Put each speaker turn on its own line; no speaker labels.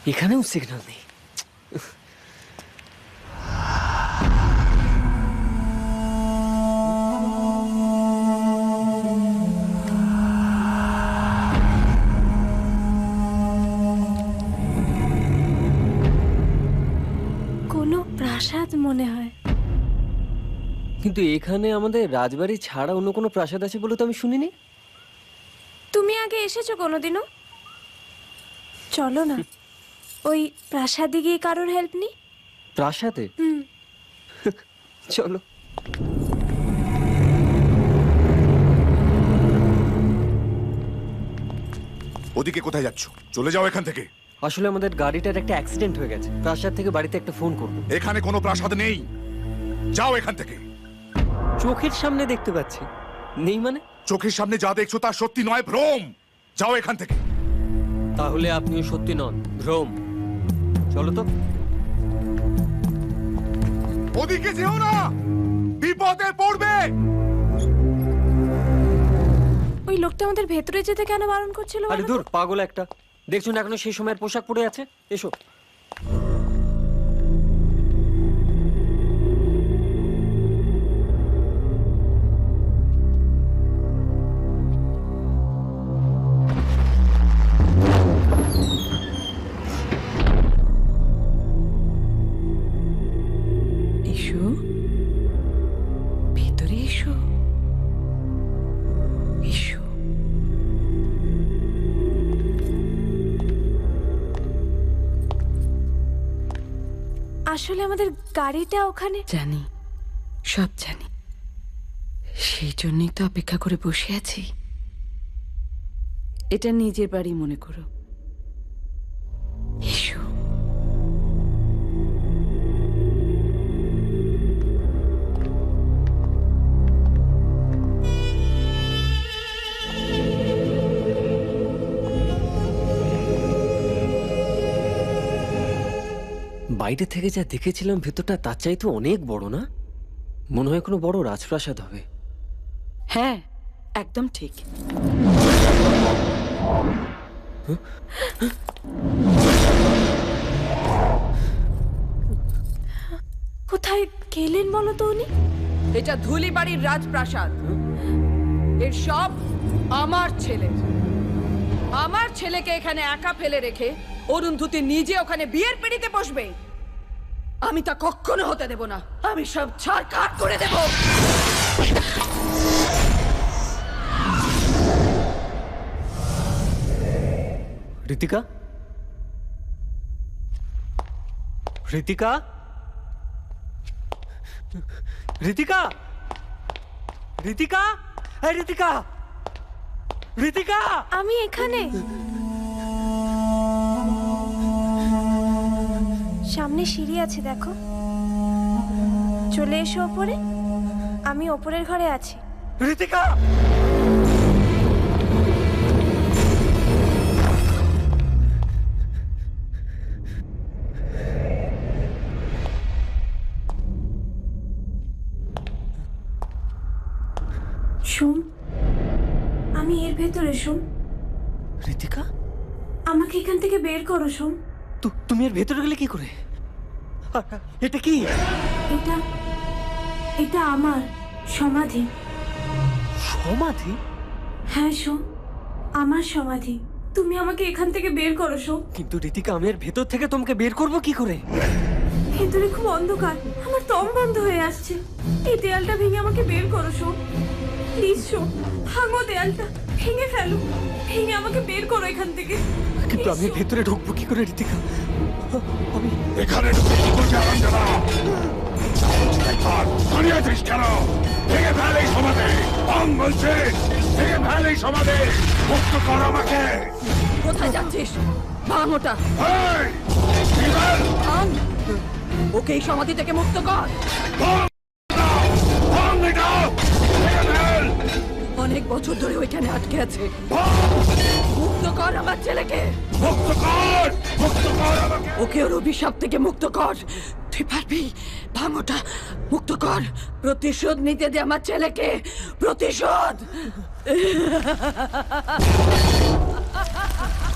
এখানেও সিগন্যাল নেই।
কোনো প্রাসাদ মনে হয়।
কিন্তু এখানে আমাদের রাজবাড়ি ছাড়া অন্য কোনো প্রাসাদ আছে বলে তো আমি শুনিনি।
তুমি আগে এসেছো কোনোদিনও? চলো না, ওই প্রাসাদে গিয়ে কারোর হেল্প নি।
প্রাসাদে? চলো।
ওদিকে কোথায় যাচ্ছ? চলে যাও এখান থেকে।
আসলে আমাদের গাড়িটার একটা অ্যাক্সিডেন্ট হয়ে গেছে। প্রাসাদ থেকে বাড়িতে একটা ফোন করবো।
এখানে কোনো প্রাসাদ নেই, যাও এখান থেকে।
চোখের সামনে দেখতে পাচ্ছি। নেই মানে?
চোখের সামনে যা দেখছো তা সত্যি নয়, ভ্রম। যাও এখান থেকে।
তাহলে আপনিও সত্যি নন, ভ্রম। চলো তো।
ওদিকে যেও না, বিপদে পড়বে।
ওই লোকটা আমাদের ভেতরে যেতে কেন বারণ করছিল?
আরে দূর, পাগল একটা। দেখছো না এখনো সেই সময়ের পোশাক পরে আছে? এসো।
এসো, ভেতরে এসো, এসো।
আসলে আমাদের গাড়িটা ওখানে।
জানি, সব জানি। সেই জন্যই তো অপেক্ষা করে বসে আছি। এটা নিজের বাড়ি মনে করো। এসো।
বাইরে থেকে যা দেখেছিলাম ভেতরটা তার চাইতে অনেক বড় না? মনে হয় কোনো বড় রাজপ্রাসাদ হবে।
হ্যাঁ, একদম ঠিক।
কোথায় গেলেন বলো তো উনি?
এটা ধুলিবাড়ির রাজপ্রাসাদ। এর সব আমার ছেলে। আমার ছেলেকে এখানে একা ফেলে রেখে অরুন্ধতী নিজে ওখানে বিয়ের পিড়িতে বসবে? আমি তা কখনো হতে দেব না। আমি সব ছাড়খাড় করে দেব।
ঋতিকা? ঋতিকা? ঋতিকা? ঋতিকা? এই ঋতিকা! ঋতিকা!
আমি এখানে। সামনে সিঁড়ি আছে, দেখো। চলে এসো ওপরে। আমি ওপরের ঘরে আছি।
ঋতিকা!
সোম, আমি এর ভেতরে। সোম,
ঋতিকা?
আমাকে এখান থেকে বের করো। সোম,
তুমি এর ভেতরে গেলে কি করে? এটা কি?
এটা এটা আমার সমাধি।
সমাধি?
হ্যাঁ সোম, আমার সমাধি। তুমি আমাকে এখান থেকে বের করো সোম।
কিন্তু ঋতিকা, আমি এর ভেতর থেকে তোমাকে বের করব কি করে?
ভেতরে খুব অন্ধকার, আমার দম বন্ধ হয়ে আসছে। এই দেয়ালটা ভেঙে আমাকে বের করো সোম। প্লিজ সোম, ভাঙো দেয়ালটা, ভেঙে ফেলো। ভেঙে আমাকে বের করো এখান থেকে।
কিন্তু আমি এর ভেতরে ঢুকবো কি করে ঋতিকা? আমি
এখানে ঢুকে কি করছে আরামজাদা? দাঁড়িয়ে আছিস কেন? ভেঙে ফেল এই সমাধি। ভাঙ বলছে, ভেঙে ফেল এই সমাধি। মুক্ত কর আমাকে।
কোথায় যাচ্ছিস? ভাঙ ওটা।
এই, ভেঙে ফেল।
ভাঙ। ওকে এই সমাধি থেকে মুক্ত কর।
ভাঙ দাও, ভাঙ এটা। ভেঙে ফেল।
অনেক বছর ধরে ওইখানে আটকে আছে।
ভাঙ,
মুক্ত কর আমার ছেলেকে।
মুক্ত কর, মুক্ত কর আমাকে।
ওকে ওর অভিশাপ থেকে মুক্ত কর। তুই পারবি। ভাঙ ওটা, মুক্ত কর। প্রতিশোধ নিতে দে আমার ছেলেকে। প্রতিশোধ।